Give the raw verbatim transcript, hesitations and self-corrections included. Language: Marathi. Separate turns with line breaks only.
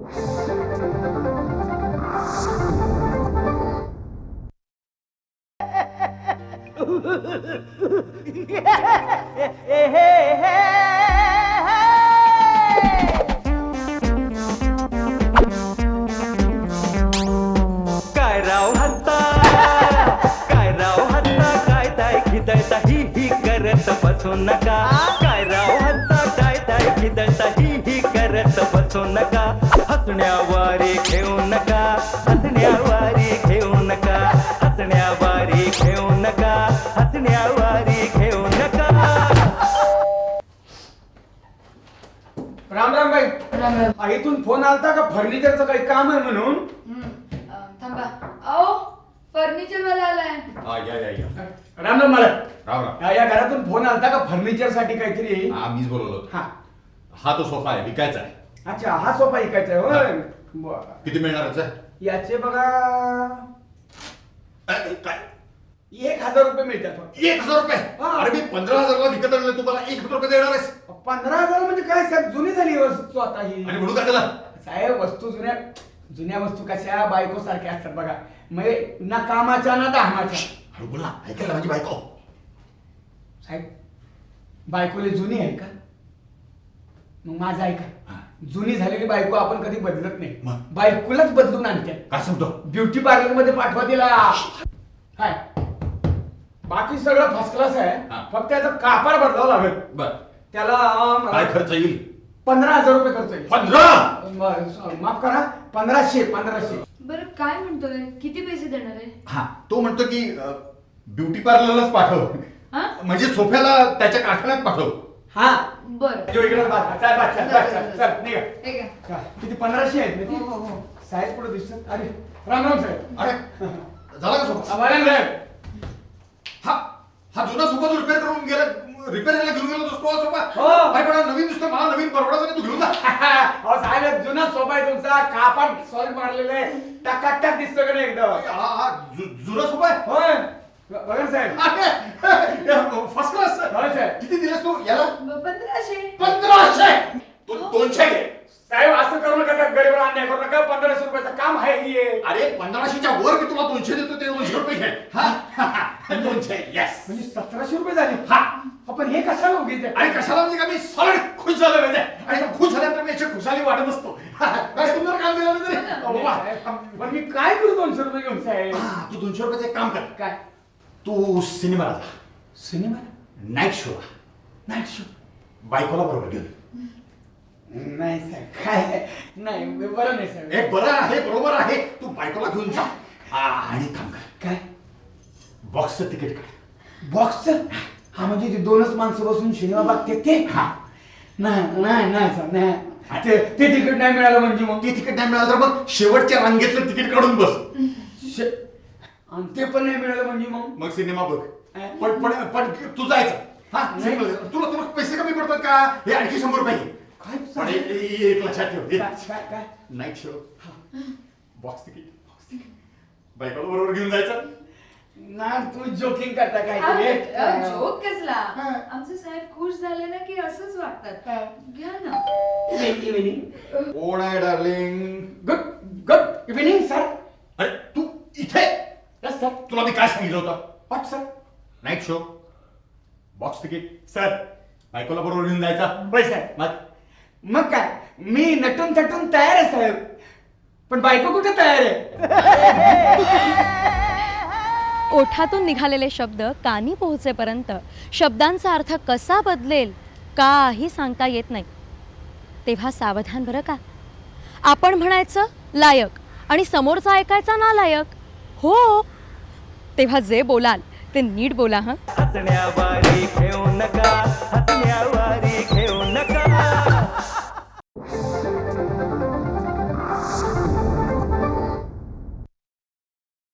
काय राव हत्ता काय राव हत्ता काय ताय खिदळता ही ही करत बसू नका काय राव हत्ता काय ताय खिदळता ही ही करत बसू नका हसण्यावारे घेऊ नका हसण्यावारे घेऊ नका हसण्यावारे घेऊ नका हसण्यावारे घेऊ नका.
राम राम बाई.
राम राम.
आ, इथून फोन आलता का फर्निचरचं काही काम आहे म्हणून?
हम्म, अं, थांबा. अहो फर्निचर वाला आलाय.
हा या या या
राम राम मला
राम राम.
या घरातून फोन आलता का फर्निचर साठी काहीतरी?
हा मीच बोलवलो.
हा
हा तो सोफा आहे, विकायचा आहे.
अच्छा, हा सोफा ऐकायचा आहे होय. बरं.
किती मिळणार याचा?
याचे बघा
अ, काय
एक हजार रुपये मिळतात फक्त.
एक हजार रुपये?
हा.
अरे मी पंधरा हजारला विकत आणलं, तुम्हाला एक हजार रुपये देणार आहेस?
पंधरा हजार म्हणजे काय साहेब, जुनी झाली वस्तू आता ही.
आणि म्हणून काय त्याला?
साहेब वस्तू जुन्या जुन्या वस्तू कशा बायको सारख्या असतात बघा, म्हणजे ना कामाच्या ना दामाच्या.
अरे बोल ना, ऐकायला माझी बायको.
साहेब बायकोले जुनी आहे का? मग माझं ऐका,
हा.
जुनी झालेली बायको आपण कधी बदलत नाही,
मग?
बायकोलाच बदलून आणते.
काय सांगतो?
ब्युटी पार्लर मध्ये पाठवा तिला. काय बाकी सगळं फर्स्ट क्लास आहे,
हा.
फक्त त्याचं कापड बदलावं लागेल.
बर
त्याला अं,
काय
मला
खर्च येईल?
पंधरा हजार रुपये खर्च येईल.
पंधरा?
म- माफ करा, पंधराशे पंधराशे.
बरं काय म्हणतोय, किती पैसे देणार आहे?
हा तो म्हणतो की ब्युटी पार्लरलाच पाठव,
हा
म्हणजे सोफ्याला त्याच्या कारखान्यात पाठव.
हा
बरं.
जो इकडे बस, चल, बस, चल, बस, चल, चल, निघा.
ठीक आहे.
हा, किती पंधराशे आहेत ना
हो, हो, हो.
ती? साईज पुढे दिसत. अरे राम राम साहेब.
अरे झाला का सोफा?
आभार साहेब.
हा हा जुना सोफा जो रिपेअर करून गेला, रिपेअरिंगला घेऊन गेला तो सोफा.
हो.
काय पण नवीन दिसतोय, मला नवीन परवडायचं नाही, तू घेऊन जा.
अहो साहेब, जुना सोफा आहे तुमचा, कापड सॉलिड मारलेलं आहे, टकाटक दिसतो का नाही एकदम?
हा हा जु- जुना सोफा आहे.
होय बघा ना साहेब.
First class.
होय साहेब.
किती दिलेस तू याला?
ब- पंधराशे.
पंधराशे. तू दोनशे घे.
साहेब असं करू नका साहेब, गरीबाला अन्याय करू नका. पंधराशे रुपयाचं काम आहे ही.
अरे पंधराशेच्या वर मी तुला दोनशे देतो, ते दोनशे रुपये घे. हा दोनशे. येस.
म्हणजे सतराशे रुपये झाले.
हा
आपण हे कशाला उगीच आहे?
आणि कशाला म्हणजे का मी सॉलिड खुश झालो म्हणजे, आणि खुश झाल्यानंतर मी अशी खुशाली वाटत असतो. काय सुंदर काम दिलं ना तरी.
अहो,
वा.
साहेब, पण मी काय करू दोनशे रुपये घेऊन साहेब?
हा, तू दोनशे रुपयाचं एक काम कर,
काय
तू सिनेमाला जा,
cinema
night show
night show?
बायकोला बरोबर घेऊन.
नाही साहेब, काय नाही, बरं नाही साहेब.
हे बरं आहे, बरोबर आहे, तू बायकोला घेऊन जा. हा, आणि काम कर,
काय
बॉक्सचं तिकीट काढ.
बॉक्स? हा म्हणजे ते दोनच माणसं बसून सिनेमा बघते ते?
हा
नाही नाही नाही साहेब, नाही. ते ते तिकीट नाही मिळालं म्हणजे मग?
ते तिकीट नाही मिळालं तर मग शेवटच्या रांगेतलं तिकीट काढून बस.
शे- आणि ते पण नाही मिळालं म्हणजे मग?
मग सिनेमा बघ. पण पण पण तू जायचं. हा
नाही.
simple. तुला तुला पैसे कमी पडतात का? हे आणखी शंभर रुपये घे.
काय
पण हे- हे एक लक्षात ठेव,
काय काय- काय
नाईट शो, बॉक्स तिकीट, बायकोला बरोबर घेऊन जायचं.
ना तुम्ही जोकिंग करता काय
अहो,
ते?
अहो, जोक कसला?
हा.
आमचे साहेब खुश झाले ना की असंच वागतात.
हा.
घ्या ना.
Good evening.
कोण आहे darling?
Good good evening, sir.
अरे तू इथे?
Yes, sir.
तुला मी काय सांगितलं होतं?
What, sir?
Night show, box ticket, sir बायकोला बरोबर घेऊन जायचा.
होय साहेब.
मग
मग काय, मी नटून थटून तयार आहे साहेब, पण बायको कुठे तयार आहे?
ओठातून निघालेले शब्द कानी पोहोचेपर्यंत शब्दांचा अर्थ कसा बदलेल काही सांगता येत नाही. तेव्हा सावधान बरं का. आपण म्हणायचं लायक आणि समोरचा ऐकायचा नालायक. हो, तेव्हा जे बोलाल ते नीट बोला. हं.
हसण्यावारे घेऊ नका